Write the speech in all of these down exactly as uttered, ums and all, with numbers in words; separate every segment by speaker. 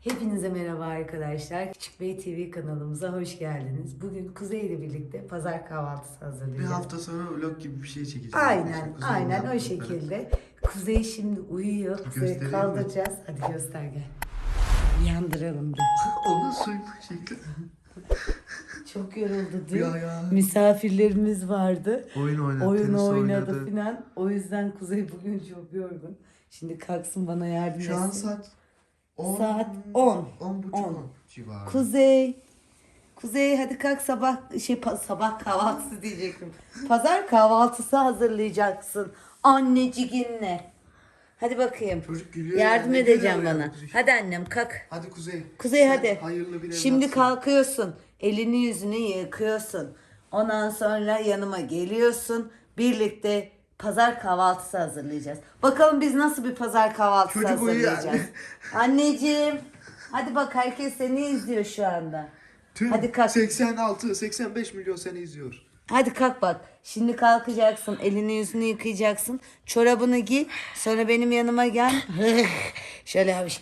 Speaker 1: Hepinize merhaba arkadaşlar. Küçük Bey T V kanalımıza hoş geldiniz. Bugün Kuzey ile birlikte pazar kahvaltısı hazırlayacağız.
Speaker 2: Bir hafta sonra vlog gibi bir şey çekeceğiz.
Speaker 1: Aynen,
Speaker 2: Kuzey'in
Speaker 1: aynen o
Speaker 2: yaptıkları.
Speaker 1: şekilde. Kuzey şimdi uyuyor. Kuzey'i
Speaker 2: Göstereyim
Speaker 1: kaldıracağız. Hadi göster gel. Uyandıralım da.
Speaker 2: Onun soyunma şekli.
Speaker 1: Çok yoruldu dün.
Speaker 2: Ya ya.
Speaker 1: Misafirlerimiz vardı.
Speaker 2: Oyun oynadı,
Speaker 1: Oyun
Speaker 2: tenis
Speaker 1: oynadı
Speaker 2: oynadı.
Speaker 1: filan. O yüzden Kuzey bugün çok yorgun. Şimdi kalksın bana yardım etsin.
Speaker 2: Şu an saat on.
Speaker 1: Saat on.
Speaker 2: On buçuk
Speaker 1: On.
Speaker 2: on civarı.
Speaker 1: Kuzey. Kuzey hadi kalk sabah şey pa- sabah kahvaltısı diyecektim. Pazar kahvaltısı hazırlayacaksın anneciğinle. Hadi bakayım.
Speaker 2: Çocuk gülüyor.
Speaker 1: Yardım
Speaker 2: ya, ne
Speaker 1: edeceğim
Speaker 2: gülüyor ya
Speaker 1: bana.
Speaker 2: bu çocuk.
Speaker 1: Hadi annem kalk.
Speaker 2: Hadi Kuzey.
Speaker 1: Kuzey
Speaker 2: Sen
Speaker 1: hadi.
Speaker 2: Hayırlı bir
Speaker 1: Şimdi
Speaker 2: evlatsın.
Speaker 1: kalkıyorsun. Elini yüzünü yıkıyorsun. Ondan sonra yanıma geliyorsun. Birlikte pazar kahvaltısı hazırlayacağız. Bakalım biz nasıl bir pazar kahvaltısı
Speaker 2: Çocuk uyuyor
Speaker 1: hazırlayacağız. Anneciğim. Hadi bak herkes seni izliyor şu anda.
Speaker 2: Tüm
Speaker 1: Hadi kalk.
Speaker 2: seksen altı seksen beş milyon seni izliyor.
Speaker 1: Hadi kalk bak. Şimdi kalkacaksın. Elini yüzünü yıkayacaksın. Çorabını giy. Sonra benim yanıma gel. Şöyle yapmış.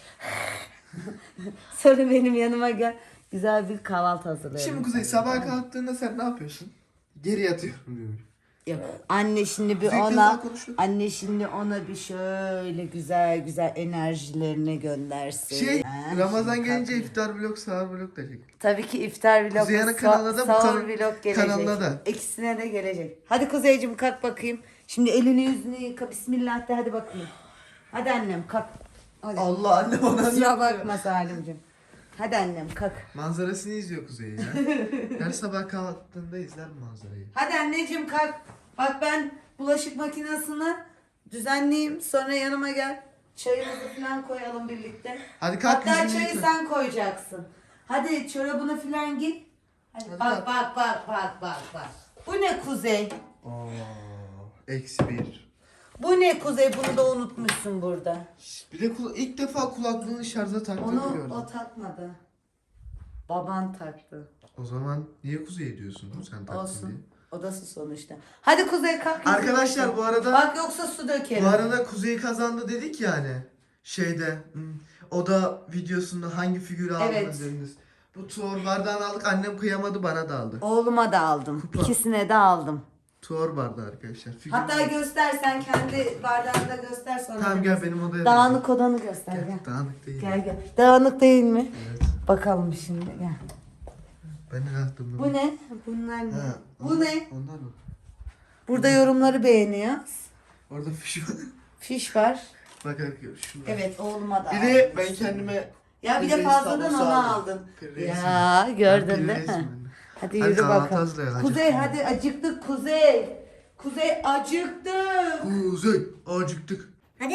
Speaker 1: Sonra benim yanıma gel. Güzel bir kahvaltı hazırlayalım.
Speaker 2: Şimdi Kuzey sabah kalktığında sen ne yapıyorsun? Geri yatıyorum diyor.
Speaker 1: Yok. Anne şimdi bir
Speaker 2: Kuzey ilk
Speaker 1: ona
Speaker 2: defa konuşuyor.
Speaker 1: anne şimdi ona bir şöyle güzel güzel enerjilerini göndersin.
Speaker 2: Şey
Speaker 1: Ha,
Speaker 2: Ramazan
Speaker 1: şimdi
Speaker 2: gelince
Speaker 1: kalk.
Speaker 2: iftar vlog, sahur vlog da çek.
Speaker 1: Tabii ki iftar vlog,
Speaker 2: Kuzey'in
Speaker 1: sa-
Speaker 2: kanalına da bu
Speaker 1: sahur
Speaker 2: kan-
Speaker 1: vlog gelecek.
Speaker 2: kanalına da.
Speaker 1: İkisine de gelecek. Hadi Kuzeyciğim kalk bakayım. Şimdi elini yüzünü yıka. Bismillah de hadi bakayım. Hadi annem kalk. Hadi.
Speaker 2: Allah anne ona
Speaker 1: Kusura bakma Salimciğim. Hadi annem kalk.
Speaker 2: Manzarasını izliyor Kuzey ya. Her sabah kahvaltında izler manzarayı.
Speaker 1: Hadi anneciğim kalk. Bak ben bulaşık makinesini düzenleyeyim. Sonra yanıma gel. Çayımızı falan koyalım birlikte.
Speaker 2: Hadi kalk,
Speaker 1: Hatta
Speaker 2: yüzünü
Speaker 1: çayı
Speaker 2: yıka.
Speaker 1: sen koyacaksın. Hadi çorabını falan giy. Hadi,
Speaker 2: Hadi
Speaker 1: bak
Speaker 2: kalk.
Speaker 1: bak bak bak bak bak. Bu ne Kuzey?
Speaker 2: Oo, eksi bir.
Speaker 1: Bu ne Kuzey? Bunu da unutmuşsun burada.
Speaker 2: Bir de kula- ilk defa kulaklığını şarja taktığını
Speaker 1: Onu
Speaker 2: gördüm.
Speaker 1: o takmadı. Baban taktı.
Speaker 2: O zaman niye Kuzey diyorsun sen taktın diye?
Speaker 1: Olsun. Odası sonuçta. Hadi Kuzey kalk.
Speaker 2: Arkadaşlar bu arada
Speaker 1: Bak yoksa su dökerim.
Speaker 2: bu arada Kuzey kazandı dedik yani. Şeyde hmm, o da videosunda hangi figürü aldınız
Speaker 1: Evet.
Speaker 2: dediniz. Bu tuor bardağını aldık, annem kıyamadı, bana da aldı.
Speaker 1: Oğluma da aldım.
Speaker 2: Kupa.
Speaker 1: İkisine de aldım.
Speaker 2: Tuor bardağı arkadaşlar. Figür
Speaker 1: Hatta
Speaker 2: var.
Speaker 1: göster sen kendi bardağını da göster sonra.
Speaker 2: Tamam
Speaker 1: da
Speaker 2: gel
Speaker 1: göster.
Speaker 2: benim odaya.
Speaker 1: Dağınık odanı göster
Speaker 2: Gel,
Speaker 1: gel.
Speaker 2: Dağınık değil.
Speaker 1: Gel gel. Dağınık değil mi?
Speaker 2: Evet.
Speaker 1: Bakalım şimdi gel.
Speaker 2: Ben de kalktım.
Speaker 1: Bu ne? Bunlar ne?
Speaker 2: Ha,
Speaker 1: Bu
Speaker 2: onlar-
Speaker 1: ne?
Speaker 2: Onlar mı?
Speaker 1: Burada yorumları beğeniyoruz.
Speaker 2: Orada fiş var.
Speaker 1: Fiş var.
Speaker 2: Bak arkadaşlar şunu.
Speaker 1: Evet oğluma da
Speaker 2: Bir
Speaker 1: aldım.
Speaker 2: de ben kendime
Speaker 1: Ya bir de
Speaker 2: Reis
Speaker 1: fazladan
Speaker 2: tablosu
Speaker 1: onu
Speaker 2: aldım.
Speaker 1: aldın.
Speaker 2: Reis
Speaker 1: Ya
Speaker 2: mi?
Speaker 1: gördün
Speaker 2: Ben
Speaker 1: değil
Speaker 2: reis
Speaker 1: mi?
Speaker 2: miyim?
Speaker 1: Hadi
Speaker 2: Hadi
Speaker 1: yürü
Speaker 2: kahvaltı
Speaker 1: bakalım.
Speaker 2: hazırlayalım,
Speaker 1: Kuzey
Speaker 2: acıktım.
Speaker 1: hadi acıktık Kuzey. Kuzey acıktık.
Speaker 2: Kuzey acıktık.
Speaker 3: Hadi.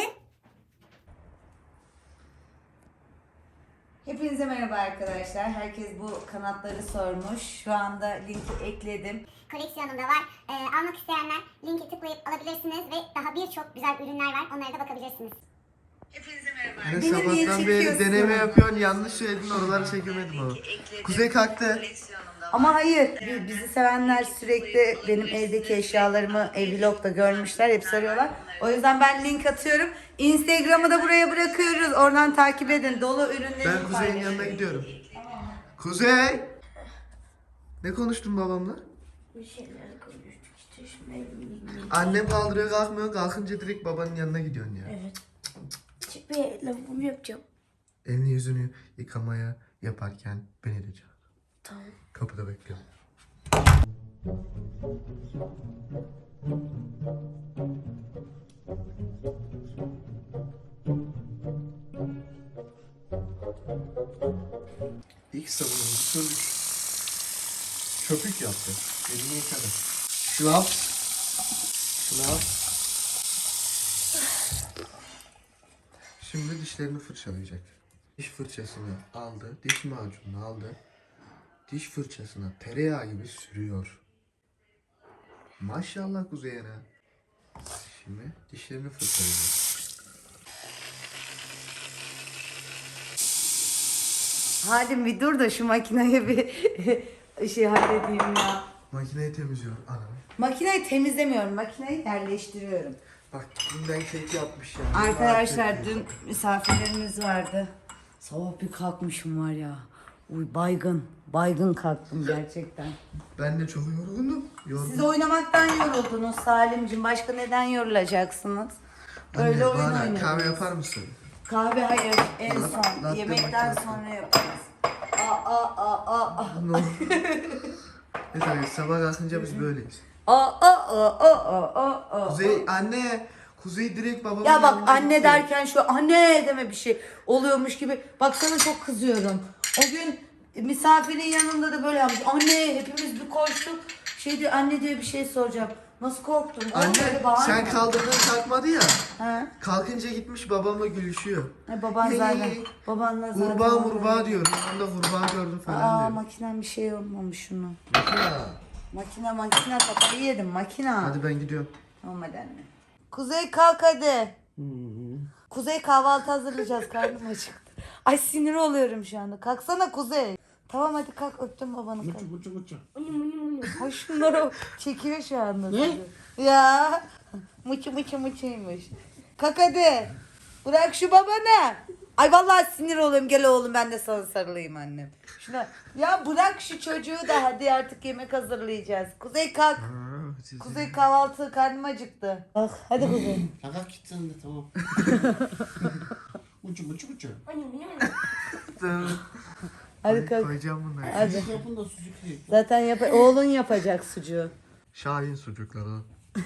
Speaker 1: Hepinize merhaba arkadaşlar. Herkes bu kanatları sormuş. Şu anda linki ekledim.
Speaker 3: Koleksiyonumda var. Ee, almak isteyenler linki tıklayıp alabilirsiniz ve daha birçok güzel ürünler var. Onlara da bakabilirsiniz.
Speaker 1: Hepinize merhaba.
Speaker 2: Hani
Speaker 1: Beni niye
Speaker 2: sabahtan beri
Speaker 1: çekiyorsun?
Speaker 2: deneme yapıyorsun, yanlış söyledin, oraları çekemedim ama. Kuzey kalktı.
Speaker 1: Ama hayır, bi- bizi sevenler sürekli benim evdeki eşyalarımı ev vlogda görmüşler, hep soruyorlar. O yüzden ben link atıyorum. Instagram'ı da buraya bırakıyoruz. Oradan takip edin. Dolu ürünleri
Speaker 2: Ben Kuzey'in yanına gidiyorum. Kuzey! Ne konuştun babamla?
Speaker 3: Bir şeyler konuştuk işte şimdi evimde.
Speaker 2: Annem kaldırıyor kalkmıyor, kalkınca direkt babanın yanına gidiyorsun ya.
Speaker 3: Evet. Küçük bir lavabomu yapacağım.
Speaker 2: Elini yüzünü yıkamaya yaparken beni de çağır.
Speaker 3: Tamam.
Speaker 2: Kapıda bekliyorum. İlk sabunumuzu sürdük. Köpük yaptı. Elini yıkadı. Şlaps. Şlaps. Şimdi dişlerini fırçalayacak. Diş fırçasını aldı. Diş macununu aldı. Diş fırçasına tereyağı gibi sürüyor. Maşallah Kuzey'e. Şimdi dişlerini fırçalayacak.
Speaker 1: Halim bir dur da şu makineye bir şey halledeyim ya.
Speaker 2: Makineyi temizliyor anam.
Speaker 1: Makineyi temizlemiyorum, makineyi yerleştiriyorum.
Speaker 2: Bak dünden kek yapmış yani.
Speaker 1: Arkadaşlar
Speaker 2: Kek
Speaker 1: dün
Speaker 2: yapıyor.
Speaker 1: misafirlerimiz vardı. Sabah bir kalkmışım var ya. Uy baygın. Baygın kalktım gerçekten.
Speaker 2: Ben de çok yoruldum. Yoruldum.
Speaker 1: Siz oynamaktan yoruldunuz Salimciğim. Başka neden yorulacaksınız? Böyle
Speaker 2: Anne,
Speaker 1: oyun
Speaker 2: bana
Speaker 1: oynadınız.
Speaker 2: kahve yapar mısın?
Speaker 1: Kahve hayır. En
Speaker 2: La-
Speaker 1: son.
Speaker 2: latte
Speaker 1: Yemekten
Speaker 2: macchiato.
Speaker 1: sonra yaparız. Aa aa aa aa.
Speaker 2: Ne olur. Neyse sabah kalkınca biz böyleyiz.
Speaker 1: Aa aa aa aa aa aa.
Speaker 2: Kuzey anne. Kuzey direkt babamın
Speaker 1: Ya bak
Speaker 2: yanına
Speaker 1: anne
Speaker 2: gitti.
Speaker 1: derken şu anne deme bir şey oluyormuş gibi. Bak sana çok kızıyorum. O gün misafirin yanında da böyle yapmış. Anne hepimiz bir koştuk. Şey diyor anne diyor bir şey soracağım. Nasıl korktun? Oğlum
Speaker 2: Anne
Speaker 1: böyle bağırma.
Speaker 2: sen kaldırdın kalkmadı ya.
Speaker 1: Ha?
Speaker 2: Kalkınca gitmiş babamla gülüşüyor.
Speaker 1: Ha, baban
Speaker 2: Hey,
Speaker 1: zaten. Babanla zaten.
Speaker 2: Kurbağa murbağa diyor. Ben de kurbağa gördüm falan
Speaker 1: Aa
Speaker 2: diyor.
Speaker 1: makinen bir şey olmamış şunu.
Speaker 2: Makina.
Speaker 1: Makine makine kafayı yedim makina.
Speaker 2: Hadi ben gidiyorum.
Speaker 1: Tamam hadi anne. Kuzey kalk hadi. Kuzey kahvaltı hazırlayacağız karnım acıktı. Ay sinir oluyorum şu anda. Kalksana Kuzey. Tamam hadi kalk öptüm babanı. Kalk.
Speaker 4: Muçu muçu muçu.
Speaker 1: Ay şunları çekiyor şu anda. Ne? Ya. Mıçı mıçı mıçıymış. Kalk hadi. Bırak şu babanı. Ay vallahi sinir oluyorum. Gel oğlum ben de sana sarılayım annem. Şuna. Ya bırak şu çocuğu da hadi artık yemek hazırlayacağız. Kuzey kalk.
Speaker 2: Aa, siz-
Speaker 1: Kuzey kahvaltı karnım acıktı. Bak hadi Kuzey.
Speaker 4: Kaka git sen de tamam. Muçu muçu muçu.
Speaker 1: Hadi kalk.
Speaker 2: Koyacağım bunları.
Speaker 1: Hadi.
Speaker 4: Sucuk yapın da sucuk yiyin.
Speaker 1: Zaten yap oğlun yapacak sucuğu.
Speaker 2: Şahin sucukları.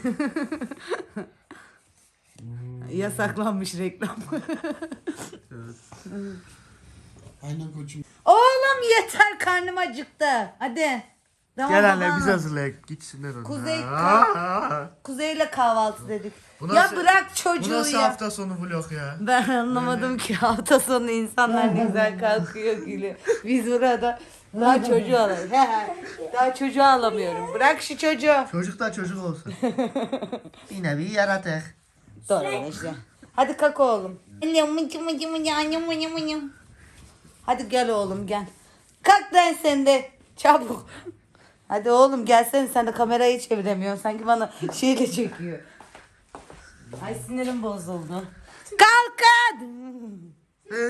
Speaker 1: Yasaklanmış reklam.
Speaker 2: Evet.
Speaker 4: Aynen koçum.
Speaker 1: Oğlum yeter karnım acıktı. Hadi. Tamam,
Speaker 2: Gel anne
Speaker 1: baban.
Speaker 2: biz hazırlayalım. Gitsinler onlar.
Speaker 1: Kuzey
Speaker 2: Aa, aa.
Speaker 1: Kuzeyle kahvaltı dedik.
Speaker 2: Bu
Speaker 1: Ya
Speaker 2: nasıl-
Speaker 1: bırak
Speaker 2: Bu
Speaker 1: çocuğu
Speaker 2: nasıl
Speaker 1: ya.
Speaker 2: hafta sonu vlog ya?
Speaker 1: Ben anlamadım ki hafta sonu insanlar ne güzel kalkıyor gülüyor. Biz burada daha çocuğu alamıyoruz. Daha çocuğu alamıyorum. Bırak şu çocuğu.
Speaker 2: Çocuk da çocuk olsun. Yine bir yaratık.
Speaker 1: Doğru işte. Hadi kalk oğlum. Anne mıcı mıcı mıcı anne mıcı mıcı. Hadi gel oğlum gel. Kalk lan sen de. Çabuk. Hadi oğlum gelsene sen de kamerayı çeviremiyorsun. Sanki bana şeyle çekiyor. Ay sinirim bozuldu. Kalkın.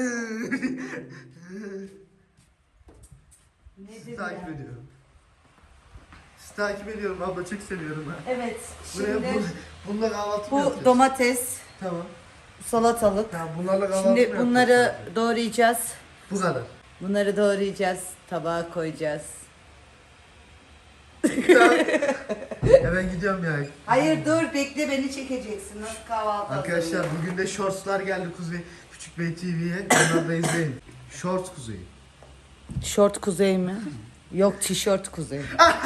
Speaker 2: Sizi takip ediyorum. Sizi takip ediyorum abla çok seviyorum ben.
Speaker 1: Evet
Speaker 2: Buraya
Speaker 1: şimdi
Speaker 2: bu, bununla kahvaltı mı
Speaker 1: bu
Speaker 2: yapacağız?
Speaker 1: domates,
Speaker 2: Tamam.
Speaker 1: salatalık.
Speaker 2: Tamam bunlarla kahvaltı mı
Speaker 1: Şimdi
Speaker 2: yapacağız?
Speaker 1: bunları doğrayacağız.
Speaker 2: Bu kadar.
Speaker 1: Bunları doğrayacağız. Tabağa koyacağız.
Speaker 2: Ya ben gidiyorum ya.
Speaker 1: Hayır dur bekle beni çekeceksin. Nasıl kahvaltı
Speaker 2: Arkadaşlar
Speaker 1: hazırlıyor?
Speaker 2: bugün de shortslar geldi Kuzey Küçük Bey T V'ye. Onları da izleyin. Shorts Kuzey.
Speaker 1: Şort kuzey mi? Yok tişört kuzey.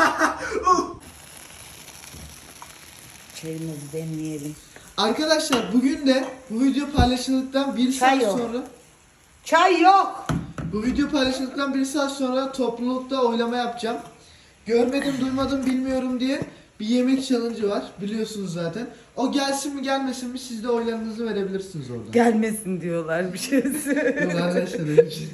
Speaker 1: Çayımızı demleyelim.
Speaker 2: Arkadaşlar bugün de bu video paylaşıldıktan bir
Speaker 1: Çay
Speaker 2: saat
Speaker 1: yok.
Speaker 2: sonra
Speaker 1: Çay yok.
Speaker 2: bu video paylaşıldıktan bir saat sonra toplulukta oylama yapacağım. Görmedim, duymadım, bilmiyorum diye bir yemek challenge'ı var. Biliyorsunuz zaten. O gelsin mi gelmesin mi siz de oylarınızı verebilirsiniz orada.
Speaker 1: Gelmesin diyorlar bir şey.
Speaker 2: Yok arkadaşlar öyle bir şey.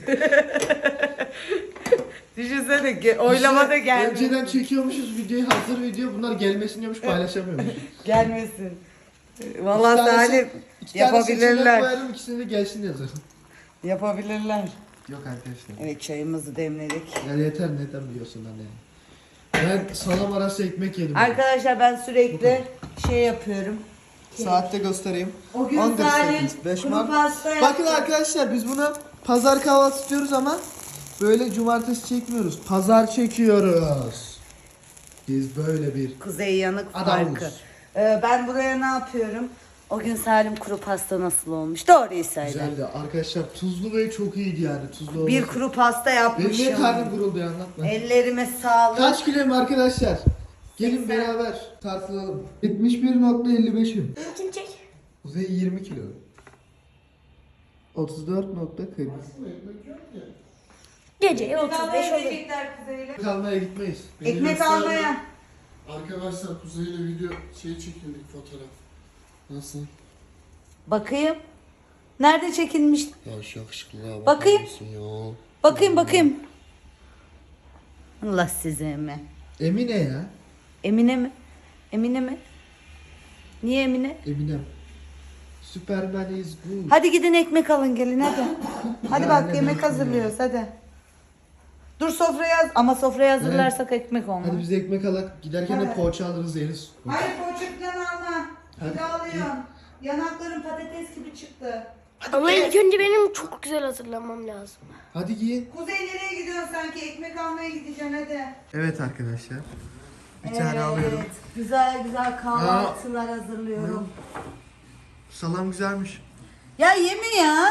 Speaker 1: Düşünsene ge- oylamada
Speaker 2: Biz de
Speaker 1: gelmesin.
Speaker 2: Önceden çekiyormuşuz videoyu, hazır video. Bunlar gelmesin diyormuş, paylaşamıyormuş.
Speaker 1: Gelmesin.
Speaker 2: İki
Speaker 1: Vallahi
Speaker 2: tanesi-
Speaker 1: Salim
Speaker 2: İki tane seçenek
Speaker 1: yapabilirler.
Speaker 2: koyarım, ikisini de gelsin yazarım.
Speaker 1: Yapabilirler.
Speaker 2: Yok arkadaşlar.
Speaker 1: Evet çayımızı demledik.
Speaker 2: Ya yeter neden biliyorsun anne. Ben salam arası ekmek yedim.
Speaker 1: Arkadaşlar ben sürekli şey yapıyorum.
Speaker 2: Saatte göstereyim.
Speaker 1: O gün
Speaker 2: on dört
Speaker 1: Salim
Speaker 2: sekiz, beş
Speaker 1: kuru
Speaker 2: Mart.
Speaker 1: pasta yaptı.
Speaker 2: Bakın arkadaşlar biz buna pazar kahvaltısı diyoruz ama böyle cumartesi çekmiyoruz. Pazar çekiyoruz. Biz böyle bir
Speaker 1: Kuzey yanık
Speaker 2: Adamız.
Speaker 1: farkı. Ee, ben buraya ne yapıyorum? O gün Salim kuru pasta nasıl olmuş? Doğruyu söyle.
Speaker 2: güzeldi. Arkadaşlar tuzlu ve çok iyiydi yani tuzlu
Speaker 1: Bir
Speaker 2: olması.
Speaker 1: kuru pasta
Speaker 2: Benim
Speaker 1: yapmışım.
Speaker 2: niye karnım guruldu ya anlatma.
Speaker 1: Ellerime sağlık.
Speaker 2: Kaç kiloyum arkadaşlar? Gelin beraber tartılalım. yetmiş bir nokta elli beşim.
Speaker 3: Kim çek?
Speaker 2: Kuzey yirmi kilo. otuz dört nokta kırk.
Speaker 3: Geceye otuz beş olur.
Speaker 2: Kalmaya gitmeyiz.
Speaker 1: Ekmek almaya.
Speaker 4: Arkadaşlar Kuzey'le video şey çekildik fotoğraf. Nasıl?
Speaker 1: Bakayım. Nerede çekilmiş?
Speaker 4: Ya şu yakışıklılığa bakar
Speaker 1: Bakayım.
Speaker 4: mısın ya?
Speaker 1: Bakayım bakayım. Allah size mi?
Speaker 2: Emine ya.
Speaker 1: Emine mi? Emine mi? Niye Emine?
Speaker 2: Eminem. Superman is good.
Speaker 1: Hadi gidin ekmek alın gelin hadi. Hadi
Speaker 2: Ya
Speaker 1: bak
Speaker 2: anne,
Speaker 1: yemek
Speaker 2: ben-
Speaker 1: hazırlıyoruz hadi. Dur sofraya yaz ama sofraya hazırlarsak ekmek olmaz.
Speaker 2: Hadi biz ekmek alak. Giderken de
Speaker 1: Evet.
Speaker 2: poğaça alırız yeriz.
Speaker 1: Hayır poğaça falan alma.
Speaker 2: Hadi.
Speaker 1: Bir de alıyorsun. Yanakların patates gibi çıktı.
Speaker 5: Ama ilk önce benim çok güzel hazırlanmam lazım.
Speaker 2: Hadi giyin.
Speaker 1: Kuzey nereye gidiyorsun sanki? Ekmek almaya gideceksin hadi.
Speaker 2: Evet arkadaşlar. Bir
Speaker 1: Evet,
Speaker 2: tane alıyorum.
Speaker 1: güzel güzel kahvaltılar hazırlıyorum.
Speaker 2: Salam güzelmiş.
Speaker 1: Ya yeme ya.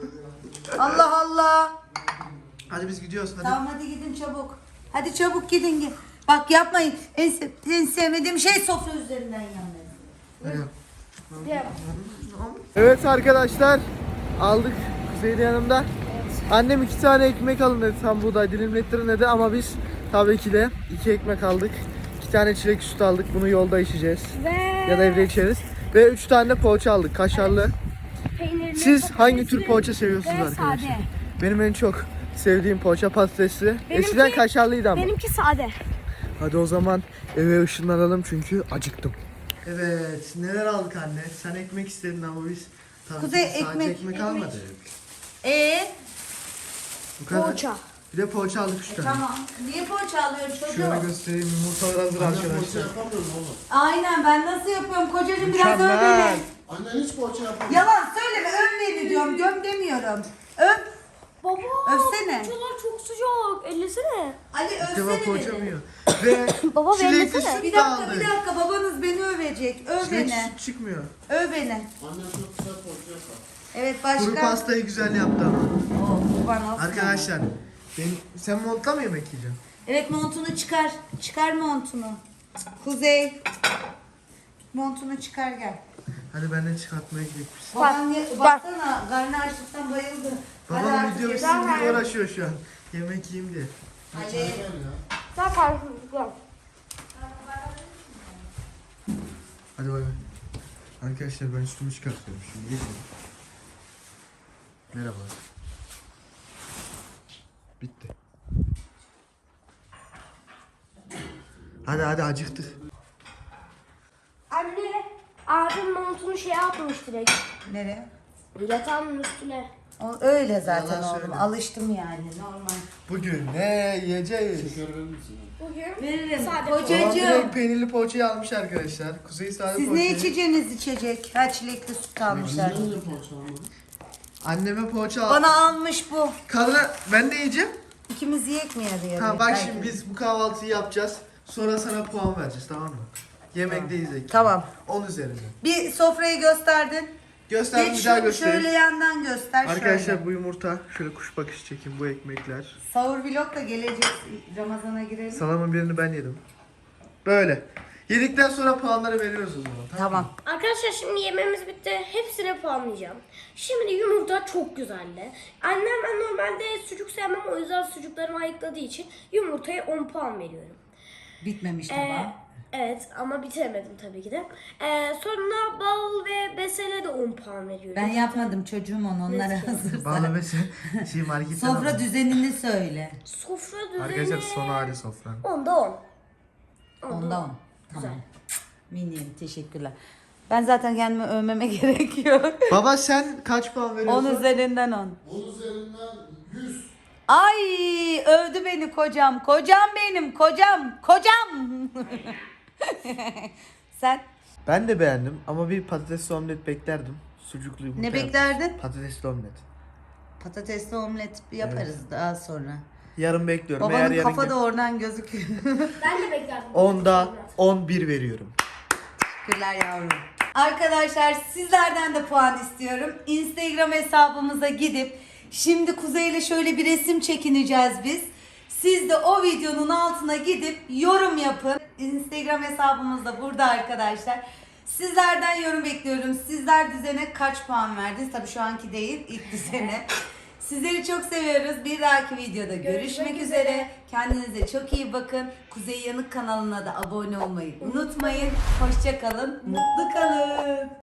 Speaker 1: Allah Allah.
Speaker 2: Hadi biz gidiyoruz hadi.
Speaker 1: Tamam hadi gidin çabuk. Hadi çabuk gidin. gidin. Bak yapmayın. En, sev- en sevmediğim şey sofra üzerinden yanmayı.
Speaker 2: Hadi. Evet arkadaşlar. Aldık Kuzey'in yanımda. Annem iki tane ekmek alın dedi. Tam buğday dilimlettirin dedi ama biz tabii ki de iki ekmek aldık. İki tane çilek sütü aldık. Bunu yolda içeceğiz.
Speaker 5: Ve
Speaker 2: Ya da evde içeriz. Ve üç tane de poğaça aldık. Kaşarlı.
Speaker 5: peynirli,
Speaker 2: Siz hangi tür
Speaker 5: patatesli
Speaker 2: poğaça seviyorsunuz
Speaker 5: ve
Speaker 2: arkadaşlar?
Speaker 5: sade.
Speaker 2: Benim en çok sevdiğim poğaça patatesli.
Speaker 5: Benimki-
Speaker 2: Eskiden kaşarlıydı ama.
Speaker 5: Benimki sade.
Speaker 2: Hadi o zaman eve ışınlanalım çünkü acıktım. Evet, neler aldık anne? Sen ekmek istedin ama biz tabii
Speaker 1: Kuzey,
Speaker 2: ki sadece
Speaker 1: ekmek,
Speaker 2: ekmek,
Speaker 1: ekmek.
Speaker 2: almadık.
Speaker 1: Ee,
Speaker 2: Bu kadar.
Speaker 5: Poğaça.
Speaker 2: Bir de poğaça aldık üç tane.
Speaker 1: tamam. Niye poğaça alıyorsun çocuğum?
Speaker 2: Şöyle göstereyim, yumurtalar hazır
Speaker 4: Anne poğaça
Speaker 2: arkadaşlar.
Speaker 4: yapamıyorum oğlum.
Speaker 1: Aynen ben nasıl yapıyorum kocacığım biraz öv
Speaker 2: Mükemmel.
Speaker 1: beni.
Speaker 4: Anne hiç poğaça yapamıyor.
Speaker 1: Yalan söyleme öv beni diyorum göm demiyorum. Öv.
Speaker 5: Baba.
Speaker 1: Övsene.
Speaker 5: Poğaçalar çok sıcak. Ellesene.
Speaker 1: Ali
Speaker 2: İlk defa
Speaker 1: övsene
Speaker 2: poğaça mı
Speaker 1: beni.
Speaker 2: yiyor? Ve
Speaker 5: Baba,
Speaker 2: çilekli
Speaker 5: beğenmesene.
Speaker 2: süt
Speaker 1: Bir
Speaker 2: de
Speaker 1: dakika
Speaker 2: aldık.
Speaker 1: bir dakika babanız beni övecek. Öv
Speaker 2: Çilekli
Speaker 1: beni.
Speaker 2: süt çıkmıyor.
Speaker 1: Öv beni.
Speaker 4: Annem çok güzel poğaça yapar.
Speaker 1: Evet
Speaker 2: Kuru
Speaker 1: başka.
Speaker 2: pastayı güzel yaptı ama.
Speaker 1: Oo, kurban olsun.
Speaker 2: Arkadaşlar, benim, sen montla mı yemek yiyeceksin?
Speaker 1: Evet montunu çıkar. Çıkar montunu. Kuzey. Montunu çıkar gel.
Speaker 2: Hadi benden çıkartmaya gidelim biz.
Speaker 1: Baban ye, baksana karnı açlıktan bayıldı. Hadi
Speaker 2: Babam
Speaker 1: artık
Speaker 2: video
Speaker 1: ye.
Speaker 2: bitsin diye uğraşıyor şu an. Yemek yiyeyim diye.
Speaker 1: Ali.
Speaker 4: Gel ya.
Speaker 5: Sen karşımda.
Speaker 2: Hadi bay bay. Arkadaşlar ben üstümü çıkartıyorum şimdi. Geçelim. Merhaba. Bitti. Hadi hadi acıktık.
Speaker 5: Anne. Abim montunu şey yapmış direkt.
Speaker 1: Nereye?
Speaker 5: Yatağın üstüne.
Speaker 1: O, öyle zaten
Speaker 2: Yalan
Speaker 1: oğlum.
Speaker 2: söyle.
Speaker 1: Alıştım yani normal.
Speaker 2: Bugün ne yiyeceğiz?
Speaker 4: Şeker verir misin?
Speaker 5: Bugün
Speaker 1: Veririm.
Speaker 5: Sade
Speaker 2: Babam
Speaker 1: Kocacığım.
Speaker 2: direkt peynirli poğaçayı almış arkadaşlar. Kuzey sade
Speaker 1: Siz
Speaker 2: poğaçayı.
Speaker 1: ne içeceğiniz içecek? Ha çilekli süt almışlar.
Speaker 4: Annem de poğaça almadı.
Speaker 2: Anneme poğaça al.
Speaker 1: Bana almış bu.
Speaker 2: Kadına ben de yiyeceğim.
Speaker 1: İkimiz yiyek mi yarı yarıya?
Speaker 2: Tamam bak
Speaker 1: Belki.
Speaker 2: şimdi biz bu kahvaltıyı yapacağız. Sonra sana puan vereceğiz tamam mı? Yemekteyiz ekip.
Speaker 1: Tamam.
Speaker 2: on üzerinden.
Speaker 1: Bir sofrayı gösterdin.
Speaker 2: Göster
Speaker 1: Geç
Speaker 2: bir daha
Speaker 1: şu-
Speaker 2: göstereyim.
Speaker 1: şöyle yandan göster
Speaker 2: Arkadaşlar
Speaker 1: şöyle.
Speaker 2: bu yumurta, şöyle kuş bakışı çekin bu ekmekler.
Speaker 1: Sahur vlog da gelecek. Ramazan'a girelim.
Speaker 2: Salamın birini ben yedim. Böyle. Yedikten sonra puanları veriyoruz o zaman.
Speaker 1: Tamam.
Speaker 5: Arkadaşlar şimdi yemeğimiz bitti. Hepsine puanlayacağım. Şimdi yumurta çok güzeldi. Annem ben normalde sucuk sevmem o yüzden sucuklarımı ayıkladığı için yumurtaya on puan veriyorum.
Speaker 1: Bitmemiş
Speaker 5: Ee,
Speaker 1: tamam.
Speaker 5: evet ama bitiremedim tabii ki de. Ee, sonra bal ve besele de on puan veriyorum.
Speaker 1: Ben yapmadım çocuğum onu. Onlara hazır.
Speaker 2: Bana mesela şey marketten
Speaker 1: Sofra
Speaker 2: aldım.
Speaker 1: düzenini söyle.
Speaker 5: Sofra düzeni
Speaker 2: Arkadaşlar son hali sofra.
Speaker 5: onda on.
Speaker 1: Onda on.
Speaker 5: Güzel.
Speaker 1: Tamam. Minim teşekkürler. Ben zaten kendimi övmeme gerekiyor.
Speaker 2: Baba sen kaç puan
Speaker 1: on
Speaker 2: veriyorsun?
Speaker 1: üzerinden on.
Speaker 4: Onun üzerinden yüz.
Speaker 1: Ay övdü beni kocam. Kocam benim kocam. Kocam. Sen
Speaker 2: Ben de beğendim ama bir patatesli omlet beklerdim. Sucuklu yumurta
Speaker 1: ne
Speaker 2: yapmış.
Speaker 1: beklerdin?
Speaker 2: Patatesli omlet.
Speaker 1: Patatesli omlet yaparız daha sonra.
Speaker 2: Yarın bekliyorum. Eğer
Speaker 1: Babanın
Speaker 2: yarın
Speaker 1: kafa
Speaker 2: gel-
Speaker 1: da oradan gözüküyor.
Speaker 5: Ben de beklerdim.
Speaker 2: onda on bir veriyorum.
Speaker 1: Teşekkürler yavrum. Arkadaşlar sizlerden de puan istiyorum. Instagram hesabımıza gidip şimdi Kuzey ile şöyle bir resim çekineceğiz biz. Siz de o videonun altına gidip yorum yapın. Instagram hesabımız da burada arkadaşlar. Sizlerden yorum bekliyorum. Sizler düzene kaç puan verdiniz? Tabii şu anki değil, ilk düzene. Sizleri çok seviyoruz. Bir dahaki videoda görüşmek,
Speaker 5: Görüşmek
Speaker 1: üzere.
Speaker 5: üzere.
Speaker 1: Kendinize çok iyi bakın. Kuzey Yanık kanalına da abone olmayı unutmayın. Hoşça kalın, mutlu kalın.